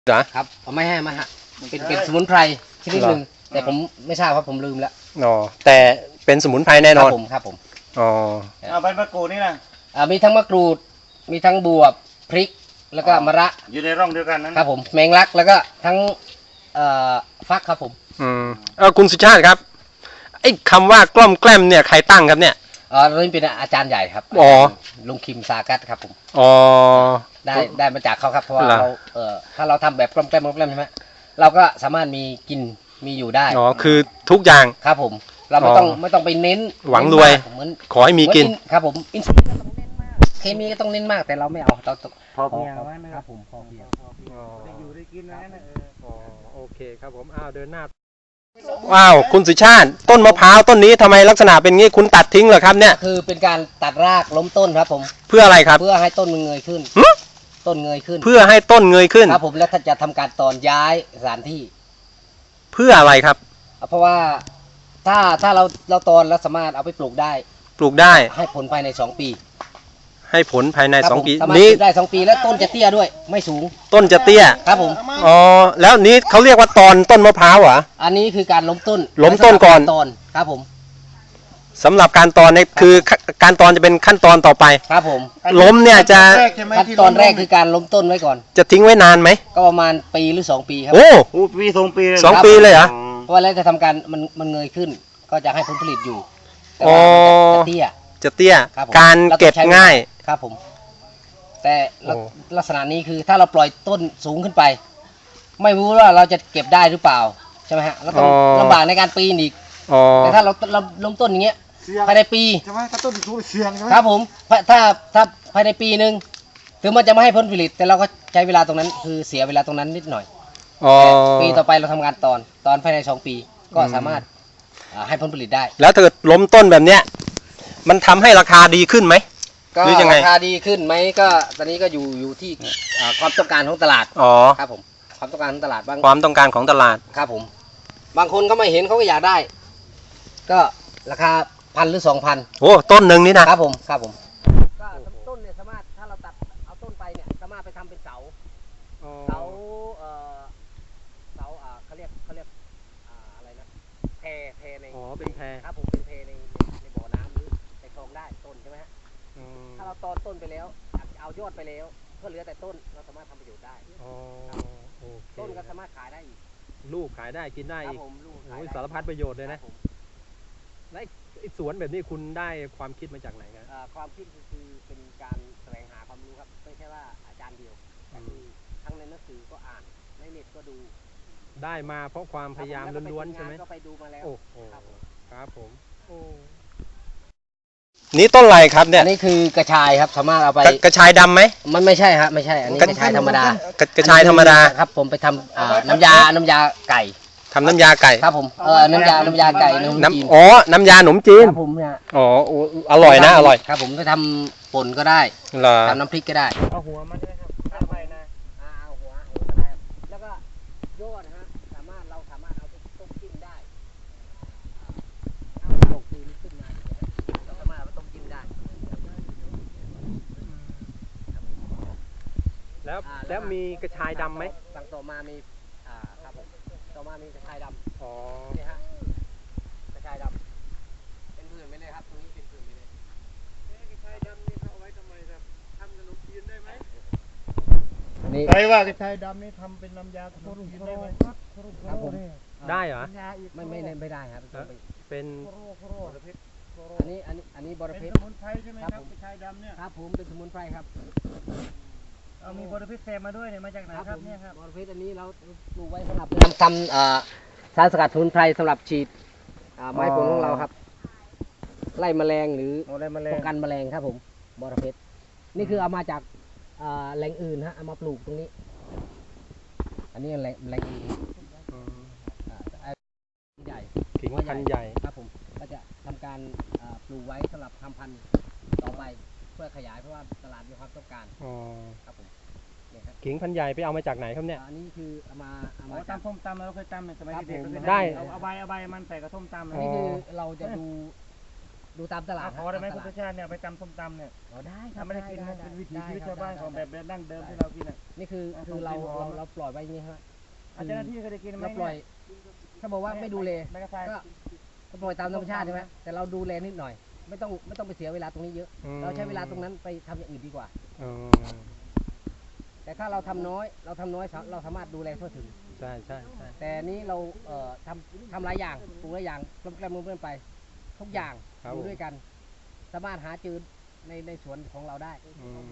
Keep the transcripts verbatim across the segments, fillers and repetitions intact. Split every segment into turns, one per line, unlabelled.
เหรอ
ครับไม่ให้มาฮะเป็นเป็นสมุนไพรชนิดหนึ่งแต่ผมไม่ทราบครับผมลืมแล้ว
อ๋อแต่เป็นสมุนไพรแน่นอน
ครับผมครับผม
อ๋อ
เอาใบมะกรูดนี่นะ
อ่ามีทั้งมะกรูดมีทั้งบวบพริกแล้วก็มะระ
อยู่ในร่องเดียวกันนะครับ
ผมแมงลักแล้วก็ทั้งเอ่อฟักครับผม
อืมเออคุณสุชาติครับไอ้คำว่ากล้อมแกล้มเนี่ยใครตั้งครับเนี่ย
อ๋อนี่เป็นอาจารย์ใหญ่ครับ
อ๋อ
ลุงคิมซากัสครับผม
อ๋อ
ได้ได้มาจากเขาครับเพราะว่าเราเอ่อถ้าเราทำแบบกล้อมแกล้มกล้อมแกล้มใช่ไหมเราก็สามารถมีกินมีอยู่ได้
อ๋อคือทุกอย่าง
ครับผมเราไม่ต้องไม่ต้องไปเน้น
หวังรวยเหมือนขอให้มีกิน
ครับผมอินซูลินก็ต้องเน้นมากเคมีก็ต้องเน้นมากแต่เราไม่เอาเรา
พอเพียง
ครับผมพอเพียง
ได้อยู่ได้กินนะ
อ๋อโอเคครับผมอ้าวเดินหน้าว้าวคุณสุชาติต้นมะพร้าวต้นนี้ทำไมลักษณะเป็นงี้คุณตัดทิ้งเหรอครับเนี่ย
คือเป็นการตัดรากล้มต้นครับผม
เพื่ออะไรครับ
เพื่อให้ต้นมันเงยขึ้นต้นเงยขึ้น
เพื่อให้ต้นเงยขึ้น
ครับผมแล้วถ้าจะทำการตอนย้ายสถานที่
เพื่ออะไรครับ
เพราะว่าถ้าถ้าเราเราตอนแล้วสามารถเอาไปปลูกได้
ปลูกได้
ให้ผลภายในสองปี
ให้ผลภายในสองปี
นี้ได้สองปีแล้วต้นจะเตี้ยด้วยไม่สูง
ต้นจะเตี้ย
ครับผม
อ๋อแล้วนี้เขาเรียกว่าตอนต้นมะพร้าวเหรอ
อันนี้คือการล้มต้น
ล้มต้นก่อน
ตอนครับผม
สำหรับการตอนนี่คือการตอนจะเป็นขั้นตอนต่อไป
ครับผม
ล้มเนี่ยจะ
ขั้นตอนแรกคือการล้มต้นไว้ก่อน
จะทิ้งไว้นานไหม
ก็ประมาณปีหรือสองปีครับ
โอ้
ปีสองปี
สองปีเลยเหรอ
เพราะแล้วจะทำการมันมันเงยขึ้นก็จะให้ผลผลิตอยู่แต่
ว่า
จะเตี้ย
จะเตี้ยการเก็บง่าย
ครับผมแต่ลักษณะนี้คือถ้าเราปล่อยต้นสูงขึ้นไปไม่รู้ว่าเราจะเก็บได้หรือเปล่าใช่ไหมฮะเราต้องลำบากในการปีนอีกแต่ถ้าเราเราล้มต้นอย่างเงี้ยภายในปี
ใช่ไหมถ้าต้นสูงเสี่ยงใช่ไหม
ครับผมถ้าถ้าภายในปีหนึ่งถึงมันจะไม่ให้ผลผลิตแต่เราก็ใช้เวลาตรงนั้นคือเสียเวลาตรงนั้นนิดหน่อยปีต่อไปเราทำงานตอนตอนภายในสองปีก็สามารถให้ผลผลิตได้
แล้วถ้าเกิดล้มต้นแบบเนี้ยมันทำให้ราคาดีขึ้นไหม
ก็ราคาดีขึ้นไหมก็ตอนนี้ก็อยู่อยู่ที่ความต้องการของตลาด
อ๋อ
ครับผมความต้องการของตลาดบาง
ความต้องการของตลาด
ครับผมบางคนเขาไม่เห็นเขาก็อยากได้ก็ราคาพันหรือสองพัน
โอ้ต้นหนึ่งนี่นะครับ
ผมครับผมก็ต้นเนี่ยสามารถถ้าเราตัดเอาต้นไปเนี่ยสามารถไปทำเป็นเสาเสาเอ่อเสาอ่าเขาเรียกเขาเรียกอ่าอะไรนะแพแพใน
อ๋อเป็นแพ
ครับผมเป็นแพในในบ่อน้ำหรือในคลองได้ต้นใช่ไหมฮะถ้าเราตอนต้นไปแล้วเอายอดไปแล้วก็เหลือแต่ต้นเราสามารถทำประโยชน์ได้ต้นก็สามารถขายได้อีก
ลูกขายได้กินได้อีกโอ้ยสารพัดประโยชน์เลยนะและไอ้สวนแบบนี้คุณได้ความคิดมาจากไหนครับ
ความคิดคือเป็นการแสวงหาความรู้ครับไม่ใช่ว่าอาจารย์เดียวทั้งในหนังสือก็อ่านในเน็ตก็ดู
ได้มาเพราะความพยายามล้วนๆใช่ไหม
ก็ไปดูมาแล้ว
โอ้ครับผมโอ้นี่ต้นอะไรครับเนี่ย
นี่คือกระชายครับสามารถเอาไป
กระชายดำไหม
มันไม่ใช่ครับไม่ใช่อันนี้กระชายธรรมด
ากระชายธรรมดา
ครับผมไปทำน้ำยาน้ำยาไก่
ทำน้ำยาไก่
ครับผมเออน้ำยาน้ำยาไก่
น้ำอ๋อน้ำยาหนมจีน
ครับผมเนี่ย
อ๋ออร่อยนะอร่อย
ครับผมไปทำป่นก็ได้ทำน้ำพริกก็ได้
เอาหัวมันด้วยครับทำไปนะ
เอาหัวหัวก็ได้แล้วก็ยอดนะฮะสามารถเราสามารถเอาต้มจิ้มได้เอาตกคืนขึ้นมาเราสามารถเอาต้มจิ้มได้
แล้วแล้วมีกระชายดำไหม
สั่งต่อมามีอ่าครับผมต่อมามีกระชายดำ
อ๋อ
นี่ฮะกระชายดำเป็นผื่นไปเลยครับตรงนี้เป็นผื่นไปเลย
กระชายดำนี่เขาเอาไว้ทำไมครับทำขนมจีนได้ไหม
นี่
ใครว่ากระชายดำนี่ทำเป็นน้ำยาขนมจีนได้ไหม
ครับผม
ได้เหรอ
ไม่ไม่ไม่ได้ครับ
เป็น
อันนี้อันนี้อันนี้บริเพชร
สมุนไพรใช่ไหมครับกระชายดำเนี่ย
ครับผมเป็นสมุนไพรครับ
เอามีบริเพชรแซมมาด้วยเนี่ยมาจากไหนครับเนี่ยครับ
บริเพชรอันนี้เราปลูกไว้สำหรับทำทำสารสกัดสมุนไพรสำหรับฉีดไม้ผลของเราครับไล่แมลงหรือป้องกันแมลงครับผมบริเพชรนี่คือเอามาจากแหล่งอื่นฮะเอามาปลูกตรงนี้อันนี้แหล่งแหล่งอื่นใหญ่
ขิงพันธุ์ใหญ่
ครับผมก็จะทำการปลูกไว้สำหรับทำพันธุ์ต่อไปเพื่อขยายเพราะว่าตลาดมีความต้องการครับผม
ขิงพันธุ์ใหญ่ไปเอามาจากไหนครับเนี่ย
อันนี้คือเอามาเอามา
ตำส้มตำเราเคยตำในสมัยเด็ก
ได้
เอาใบเอาใบมันใส่กระส้มตำ
อันนี้คือเราจะดูดูตามตลาด
ขอได้ไหม
ตา
คุณ
ลา
สุ
ด
ชาติเนี่ยไปตำส้มตำเนี่ย
อ๋อได้ครั
ถ้า
บ
ไม่ได้กินนะ
ได้
เป็นวิถี
ได้
ชีวิต
ครับ
ชาวบ้านของ
ได้
แบบดั้งเดิมที่เรากินอ่ะ
นี่คือ
เอา
คือเรา
ของ
เรา
กิน
เราปล่อยไว้อย่างนี้ครับ
อาจารย์หน้าที่เคยได้กินไหม
เราปล่อย ถ้าบอกว่าไม่ดูแล
ไม่กระทาย
ก็ก็ปล่อยตามธรรมชาติใช่ไหมแต่เราดูแลนิดหน่อย ไม่ต้องไม่ต้องไปเสียเวลาตรงนี้เยอะ
อืม
เราใช้เวลาตรงนั้นไปทำอย่างอื่นดีกว่า
อืม
แต่ถ้าเราทำน้อยเราทำน้อยเราสามารถดูแลทั่วถึง
ใช่ใช่ใช่
แต่นี้เราเอ่อทำทำหลายอย่างปลูกหลายอย่างกลมแกล้มเพื่อนไป ทุกอย่างอยู่ด้วยกัน สามารถหาจืดในในสวนของเราได้
อืม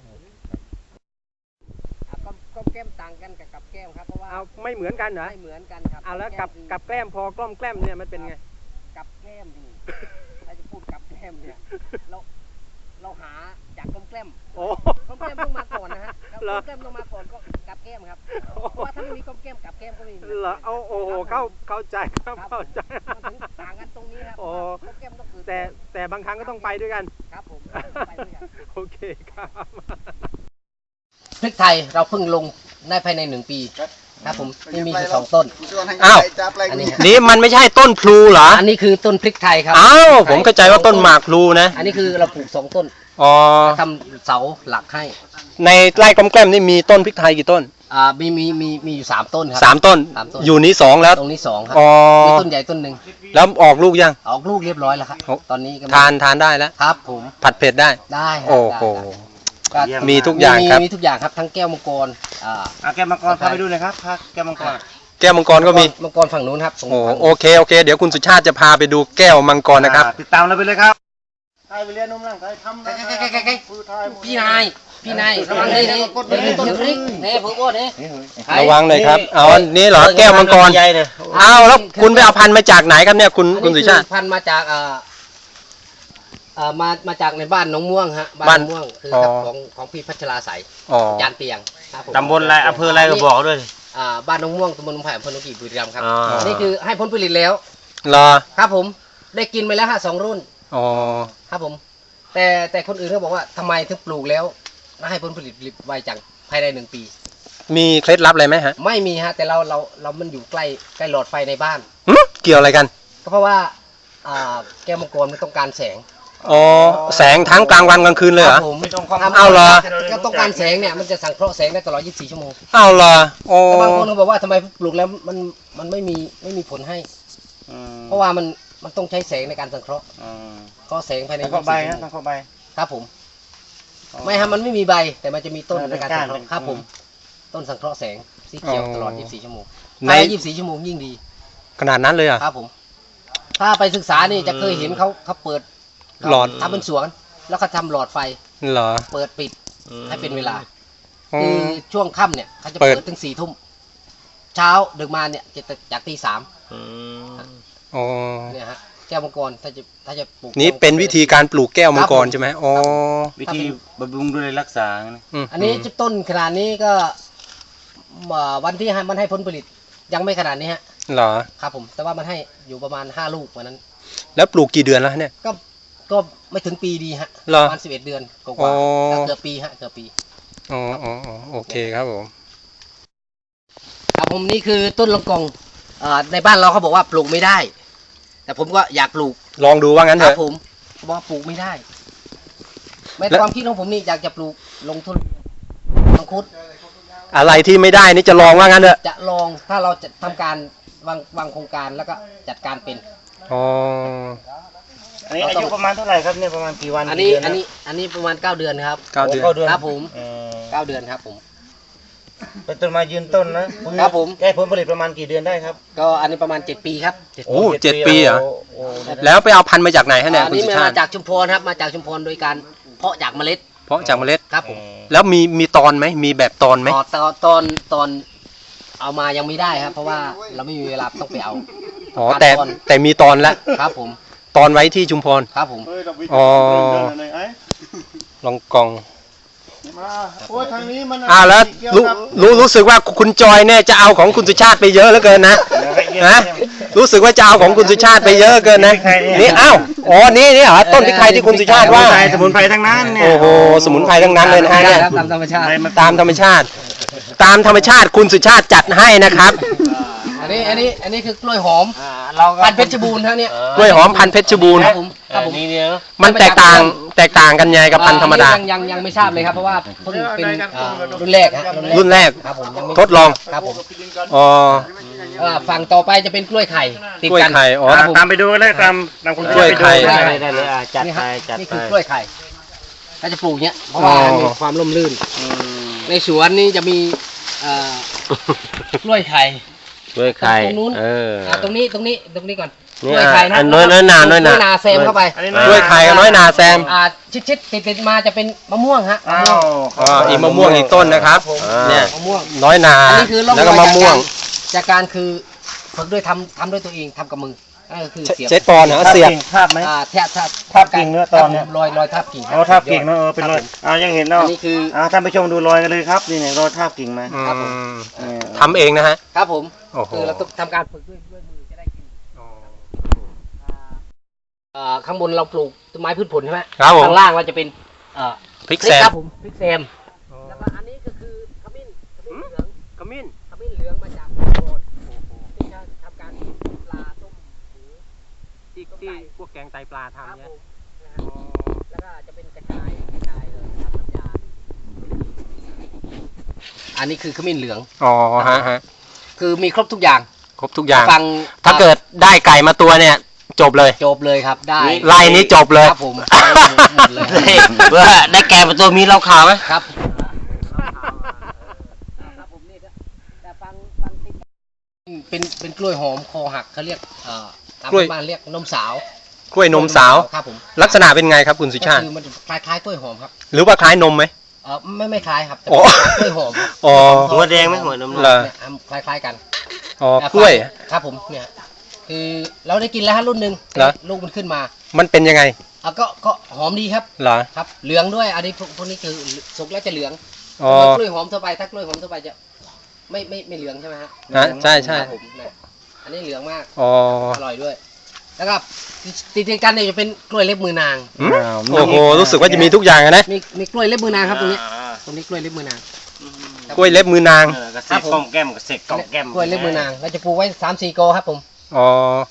อ่ะก็ก็แก้มต่างกันกับกับแก้มครับเพราะว่า
เอาไม่เหมือนกันเหรอ
ไม่เหมือนกันครับ
เอาแล้วกับ
คือ
กับแกล้มพอกล้อมแกล้มเนี่ยมันเป็นไง
กับแก้มนี่ ถ้าจะพูดกับแก้มเนี่ยเราเราหาจากกลมแกล้ม
โอ้
กลมแกล้มต้องมาก่อนนะฮะแล้ว
เหร
ก
อ
ลมแกล้มต้องมาก่อนก็กับแก้มครับเพราะว่าถ้าไม่มีกลมแกล้มกับแก้มก็ไม่มี
เหรอเอาโอ้โหเข้าเข้าใจครับ
ครับ
เข้าใจ
มันถึงต่างกันตรงนี้ครับ
โอ้
กลมแก้มต้องคือ
แต่แต่บางครั้งก็ต้องไปด้วยกัน
ครับผมไปด้วยกัน
โอเคครับ
พริกไทยเราเพิ่งลงได้ภายในหนึ่งปีครับผมนี่มีอยู่สองต้น
อ้าว
อันนี้
นี่มันไม่ใช่ต้นพลูเหรอ
อันนี้คือต้นพริกไทยครับ
อ้าวผมเข้าใจว่าต้นหมากพลูนะ
อันนี้คือเราปลูกสองต้น
อ๋อ
ทำเสาหลักให้
ในไร่กลอมแกล้มนี่มีต้นพริกไทยกี่ต้น
อ่ามีมีมีมีอยู่สามต้นครั
สามต้น
สามต้น
อยู่นี้สองแล้ว
ตรงนี้สองครับ
อ๋อ
มีต้นใหญ่ต้นหนึ่ง
แล้วออกลูกยัง
ออกลูกเรียบร้อยแล้วครับ
โอ้
ตอนนี้ก็
ทานทานได้แล้ว
ครับผม
ผัดเผ็ดได้
ได้ครับ
โอ้โห
ได้ได้
มีทุกอย่างครับ
มีทุกอย่างครับทั้งแก้วมังกรอ่า
เอาแก้วมังกรพาไปดูหน่อยครับพาแก้วมังกร
แก้วมังกรก็มี
มังกรฝั่งนู้นครับตรง
โอ้
ฝั่ง
โอเคโอเค เดี๋ยวคุณสุชาติจะพาไปดูแก้วมังกรนะครับ
ติดตามเราไปเลยครับใครไปเรียนนุ่มร่างใครทำ
ใกล้ใกล้ใกล้ใกล้ใกล้พี่นายพี่นายระวังเลยนี่นี่ต้นพริกนี่ผมว่านี่
ระวังหน่อยครับ เอาอันนี้เหรอแก้วมังกร
ใหญ่เลย
เอาแล้วคุณไปเอาพันธุ์มาจากไหนครับเนี่ยคุณคุณสุชาติ
อันนี้คือพันธุ์มาจากอ่าอ่ามามาจากในบ้านหนองม่วงฮะบ้าน
บ้าน
หนองม่วงคือ
อ๋อ
ครับของของพี่พัชราใส
อ๋อ
จานเตียงครับผม
ตำบลอะไรอำเภออะไรก็บอกด้วย
อ่าบ้านหนองม่วงตำบลหนองไผ่อำเภอหนองกี่บุรีรัมย์ครับ
อ๋ออั
อันนี้คือให้ผลผลิตแล้ว
เหรอ
ครับผมได้กินไปแล้วฮะสองรุ่น
อ๋อ
ครับผม แต่แต่คนอื่นเขาบอกว่าทำไมถึงปลูกแล้วให้ผลผลิตไวจังภายในหนึ่งปี
มีเคล็ดลับอะไรไหมฮะ
ไม่มีฮะแต่เราเราเรามันอยู่ใกล้ใกล้หลอดไฟในบ้าน
หึเกี่ยวอะไรกัน
ก็เพราะว่าอ่าแก้วมังกรมันต้องการแสง
อ๋อแสงทั้งกลางวันกลางคืนเลยเหรอ
ครับผม
ไม่ต้องความ
ทำ
เอาเหรอ
ก็ต้องการแสงเนี่ยมันจะสังเคราะห์แสงได้ตลอดยี่สิบสี่ชั่วโมง
เอาเหรอโอ้
แต่บางคนเขาบอกว่าทำไมปลูกแล้วมันมันไม่มีไม่มีผลให้
อืม
เพราะว่ามันมันต้องใช้แสงในการสังเคราะห์
อืม
เคราะห์แสงภายใน
ทาง
ยี่
ข้อ
สิบ
ใบ
สี่ชั่
นะ
วโม
ทาง งข้อใบ
ครับผม ไม่ฮะมันไม่มีใบแต่มันจะมีต้น
เออ
ในการ
เป็นก้า
สั
น
งเคราะห์ครับผม ต้นสังเคราะห์แสงสีเขียวตลอดยี่สิบสี่ชั่วโมง
ใน
ภายในยี่สิบสี่ชั่วโมงยิ่งดี
ขนาดนั้นเลยเหรอ่ะ
ครับผม ถ้าไปศึกษานี่จะเคยเห็นเขาเขาเปิด
หลอด
ทำเป็นสวน แล้วก็ทำหลอดไฟ
เหรอ
เปิดปิดให้เป็นเวลา
อ๋อ
คือช่วงค่ำเนี่ยเขาจะ
เปิ
เปิ
ด
ดถึงสี่ทุ่มเช้าดึกมาเนี่ยจะจากตีสาม
อ๋อ
เนี่ยฮะแก้วมังกรถ้าจะถ้าจะปลูก
นี่เป็นวิธีการปลูกแก้วมังกรใช่ไหมอ๋อ
วิธีบำรุงดูแลรักษานะ
ม
อันนี้จุดต้นขนาดนี้ก็อ่าวันที่ให้มันให้ผลผลิตยังไม่ขนาดนี้ฮะ
เหรอ
ครับผม แต่ว่ามันให้อยู่ประมาณห้าลูกวันนั้น
แล้วปลูกกี่เดือนแล้วเนี่ย
ก็ก็ไม่ถึงปีดีฮะ
เหรอ
ประมาณสิบเอ็ดเดือนก
อ๋
ว่า
อ
ๆเกือบปีฮะเกือบปี
อ๋ออ๋ออ๋อโอเคครับผม
ครับผมนี่คือต้นลองกองอ่าในบ้านเราเขาบอกว่าปลูกไม่ได้ แต่ผมก็อยากปลูก
ลองดูว่างั้น
ค
เถ
รับ
อะ
ผมเขาบอกว่าปลูกไม่ได้ใน
แล้ว
ความคิดของผมนี่อยากจะปลูกลงทุนมังคุด
อะไรที่ไม่ได้นี่จะลองว่างั้นเถอะ
จะลองถ้าเราจะทำการวางวางโครงการแล้วก็จัดการเป็น
อ๋อ
อันนี้อายุประมาณเท่าไหร่ครับเนี่ยประมาณกี่วัน
อันนี้
กี่เดื
อันนี้อันนี้ประมาณเก้าเดือนครับ
เก้าเดือน
โเดือน
ครับผม
เออ
เก้าเดือนครับผม
เป็นต้นไมายืนต้นนะครับ
ผม
แก้ผลผลิตประมาณกี่เดือนได้ครับ
ก็อันนี้ประมาณเจ็ดปีครับเจ็ด
โอ้เจ็ดปีเหรอ
โโอ้
แล้วไปเอาพันธุ์มาจากไหนฮะเนี่ย
อัน
คุณ
นี้
สุ
มา
ชาติ
จากชุมพรครับมาจากชุมพรโดยการเพาะจากเมล็ด
เพราะจากเมล็ด
ครับผม
แล้วมีมีตอนไหมมีแบบตอนไหม
ตอนตอนตอนตอนเอามายังไม่ได้ครับ เพราะว่าเราไม่มีเวลาต้องไปเอา
อ๋อแต่
ตอน
แต่มีตอนแล้ว
ครับผม
ตอนไว้ที่ชุมพร
ครับผม
อ๋อ ลองกอง
โอ้ยทางนี้มัน
อ่าแล้วรู้รู้รู้สึกว่าคุณจอยเนี่ยจะเอาของคุณสุชาติไปเยอะเหลือเกินนะนะรู้สึกว่าจะเอาของคุณสุชาติไปเยอะเกินนะนี่อ้าวอ๋อนี่นี่เหรอต้นพริกไทยที่คุณสุชาติว่า
สมุนไพรทั้งนั้นเนี่ย
โอ้โหสมุนไพรทั้งนั้นเลยนะฮะเนี่ย
ครับตามธรรมชาติ
ตามธรรมชาติ ตามธรรมชาติคุณสุชาติจัดให้นะครับ
อันนี้อันนี้อันนี้คือกล้วยหอม
อ่าเราก็
พันธุ์เพชรบูรณ์ฮะเนี่ย
กล้วยหอมพันธุ์เพชรบูรณ์
ครับผมครับผม
นี่เนี่ย
มันแตกต่างแตกต่างกันยังไงกับพันธุ์ธรรมดา
อ่ยังยังยังไม่ทราบเลยครับเพราะว่าเพิ่งเป็นอ่ารุ่นแรกฮะ
รุ่นแรก
ครับผมยังไม่
ทดลอง
ครับผม
อ๋อ
อ่าฝั่งต่อไปจะเป็นกล้วยไข่ติด
กล้วย
กัน
ไข่อ๋อ
ครับผม
ตามไปดูเลยตามตามคุณ
กล้วยไข่
ได้เลยได้เลยอ่ะจัด
นี่
ไป
ฮะ
จัด
นี่
ไป
คือกล้วยไข่ถ้าจะปลูกเนี้ยเพราะว่า
อ๋อ
มีความร่มรื่น
อืม
ในสวนนี่จะมีเอ่อกล้วยไข่
กล้วยไข่
ตรงนู้น
เออ
อ่าตรงนี้ตรงนี้ตรงนี้ก่อน
นี่
กล้วยไข่นะ
อันน้อยน้อยนาน้อยนา
กล้วยนาแซมเข้าไป
อันนี้
กล้วยไข่กับน้อยนาแซม
อ่าชิดชิดติดติดๆมาจะเป็นมะม่วงฮะมะ
อ้า
ม่วง
ว
อ๋ออีกมะม่วงอีกต้นนะครับ
ผม
เนี่ย
มะม่วง
น้อยนา
อันนี้คือร่อง
แล้ว
ร
ก็
อย
มะ
จาก
ม่ว
กาง รจากการคือฝึกด้วยทำทำด้วยตัวเองทำกับมือนั่นก็คือเสียบ
เจ็ดปอนด์เหรอเสียบ
ภาพไหม
อ่าแทบแทบ
ทาบกิ่งเนื้อตอนเนี่ย
ครับผมรอยรอยทับกิ่ง
อ๋อทาบกิ่งเนอะเออเป็นรอยอ่ายังเห็นเนาะ
อันนี้คือ
อ่าท่านผู้ชมดูรอยกันเลยครับนี่เนี่ยรอยทาบกิ่งมา
อื
ครับผม
ม
เออ
ทำเองนะฮะ
ครับผม
โอ้โห
คือเราต้องทำการฝึกด้วยด้วยมือจะได้กินอ่าข้างบนเราปลูกต้นไม้พืชผลใช่ไหม
ครับผม
ข้างล่างเราจะเป็นเอ่อ
พริกแซม
ครับผมพริกแซมแล้วก็อันนี้ก็คือขมิ้นขมิ้นเหลือง
ขมิ้น
ขมิ้นเหลืองมาจากโคลนที่จะทำการปลาต้มหมู
ที่ที่พวกแกงไตปลา
ครับ
ทำเนี่ย
ผมนะฮะแล้วก็จะเป็นกระชายกระชายเลยทำน้ำยาอันนี้คือขมิ้นเหลือง
อ๋อฮะฮะ
คือมีครบทุกอย่าง
ครบทุกอย่าง
ฟัง
ถ้าเกิดได้ไก่มาตัวเนี่ย จบเลย
จบเลยครับได้
ไล่นี้จบเลย
ครับผมหมดเลย
เพื่อได้แก่มาตัวมีเหล้าขาวไหม
ครับครับผมนี่ก็แต่ฟังฟังติดเป็นเป็นกล้วยหอมคอหักเขาเรียกเอ่อตามบ้านเรียกนมสาว
กล้วยนมสาว
ครับผม
ลักษณะเป็นไงครับคุณสุชาติ
ก็คือมันคล้ายคล้ายๆกล้วยหอมครับ
หรือว่าคล้ายนมไหม
เออไม่ไม่คล้ายครับแต่
อ๋อ
เป็นกล้วยหอมครับ
อ๋อ
หัวแดงไหมหัวนม
เหรอ
เนี่ยคล้ายคล้ายๆกัน
อ๋อกล้วย
ครับผมเนี่ยคือเราได้กินแล้วฮะรุ่นหนึ่ง
เหรอ
ลูกมันขึ้นมา
มันเป็นยังไง
อ่ะก็ก็หอมดีครับ
เหรอ
ครับ เหลืองด้วยอันนี้พวกพวกนี้คือสุกแล้วจะเหลือง
อ๋อ
กล้วยหอมทั่วไปถ้ากล้วยหอมทั่วไปจะไม่ไม่ไม่เหลืองใช่ไหมฮะ
ฮะใช่ใช่
ครับผมเนี่ยอันนี้เหลืองมาก
อ๋อ
อร่อยด้วย แล้วก็ติดติดกันเนี่ยจะเป็นกล้วยเล็บมือนาง
อืมโอ้โห รู้สึกว่าจะมีทุกอย่างอะนะ
มีมีกล้วยเล็บมือนางครับตรงนี้
อ่า
ตรงนี้กล้วยเล็บมือนาง
กล้วยเล็บมือนาง
เออกระเสกกล่อมแก้มกระเสกกล่อมแก้ม
กล้วยเล็บมือนางเราจะปลูกไว้สามสี่โกครับผม
อ๋อ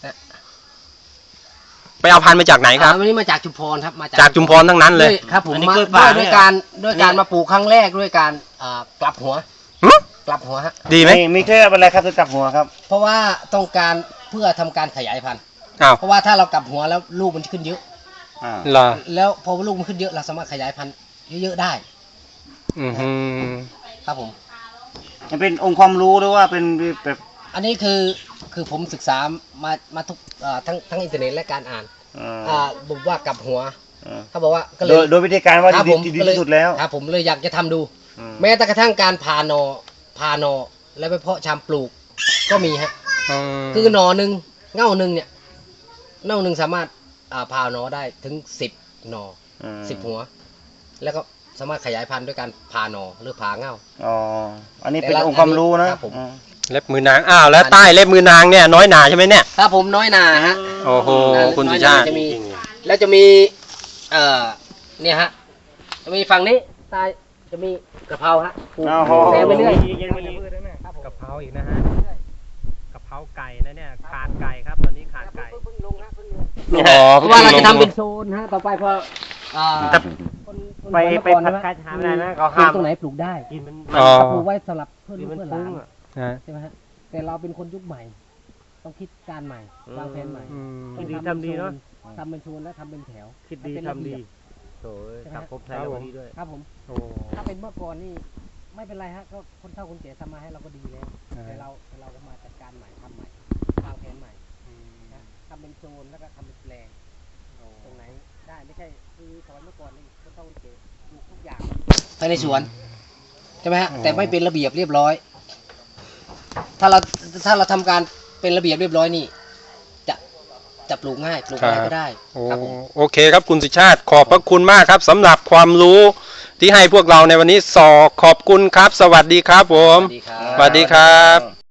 ไปเอาพันธุ์มาจากไหนครับ
อ่าวันนี้มาจากชุมพรครับมา
จากจุมพรทั้งนั้นเลย
ด้วยครับผม
อันนี้
มาก
ล้วย
ด้
ป่า
วย
เนี่
ด้วย ยการด้วยการมาปลูกครั้งแรกด้วยการอ่ากลับหัว
หึ
กลับหัวฮะ
ดีไหม
มีมีเคล็ดลับอะไรครับถึงกลับหัวครับ
เพราะว่าต้องการเพื่อทำการขยายพันธุ์
อ้าว
เพราะว่าถ้าเรากลับหัวแล้วลูกมันขึ้นเยอะ
อ่า
เหรอ
แล้วพอลูกมันขึ้นเยอะเราสามารถขยายพันธุ์เยอะๆได้
อือหือ
ครับผม
มันเป็นองค์ความรู้หรือว่าเป็นแบบ
อันนี้คือคือผมศึกษามามาทุกเอ่อทั้งทั้งอินเทอร์เน็ตและการอ่าน
อ่า
อ่าบอกว่ากลับหัว
อ่า
เขาบอกว่าก็เล
โด
ย
ยโดยวิธีการว่า
ครับ
ดี
ผม
ดีดี
ก็เลย
ที่สุดแล้ว
ครับผมเลยอยากจะทำดู
อืม
แม้แต่กระทั่งการผ่าหนอผ่าหนอแล้วไปเพาะชำปลูกก็มีฮะ
ม
คือหนอหนึ่งเง่าหนึ่งเนี่ยเง่าหนึ่งสามารถอ่าผ่าหนอได้ถึงสิบหนอ
อืม
สิบหัว แล้วก็สามารถขยายพันธุ์ด้วยการผ่าหนอหรือผ่าเง่า
อ๋ออันนี้เป็น
แต่ละ
องค์ความรู้นะครับ
ผม
อืม
เล็บมือนาง อ้าว แล้วใต้เล็บมือนางเนี่ยน้อยหนาใช่ไหมเนี่ย
ครับผมน้อยนาฮะ
โอ้โห
น้อย
คุณ
น้
สุ
อย
ชาติ
จะมี แล้วจะมีเอ่อเนี่ยฮะจะมีฝั่งนี้ใต้จะมีกะเพราฮะปลูก
อ้าวโห
แซมไปเรื่อย
กะเพราอีกนะฮะกะเพราไก่นะเนี่ยขาดไก่ครับตอนนี้ขาดไก่
เพิ่งลงฮะเพิ่งลง
อ๋อ
เพราะว่าเราจะทำเป็นโซนฮะต่อไปพออ่า
แต่
คนคน
ไป
สวน
ไป
นคร
ผัด
ใช่หม
กาชาไม่ได้นะเขา
ปลู
ห้าก ม
ตรงไหนปลูกได้
กินมัน
อ๋อ
ปลูกไว้สำหรับเพื่อน
กิน
ลูก
มัน
เพื่อนห
ฟุ้
ลาง น
อ่ะ
ฮะ
ใช่ไหมฮะแต่เราเป็นคนยุคใหม่ ต้องคิดการใหม่วางแผนใหม่
อืม
ต้อง
ดี
ทำเป็น
ทำดีเนอะ
โซทำเป็นโซนและทำเป็นแถว
คิดดี
ให้เป็นระ
ทำ
เบี
ดี
ยบ
โถ่เอ้ย
ใช่ไหม
สังคมไทยเราดีด้วย
ครับผม
โอ้
ถ้าเป็นเมื่อก่อนนี่ไม่เป็นไรฮะก็คนเฒ่าคนแก่ทำมาให้เราก็ดีแล้ว
ใช่
แต่เราแต่เราก็มาจัดการใหม่ทำใหม่วางแผนใหม่นะทำเป็นโซนแล้วก็ทำเป็นแปลงตรงไหนได้ไม่ใช่คือสมัยเมื่อก่อนนี่คนเฒ่าคนแก่ปลูกทุกอย่างภายในสวนใช่ไหมฮะแต่ไม่เป็นระเบียบเรียบร้อย ถ้าเราถ้าเราทำการเป็นระเบียบเรียบร้อยนี่จะจะปลูกง่ายปลูกอะไรก็ได้
โอ้
ครับผม
โอเคครับคุณสุชาติขอบพระคุณมากครับสำหรับความรู้ที่ให้พวกเราในวันนี้สอขอบคุณครับ สวัสดีครับผม
สวัสดีครับ
สวัสดีครับ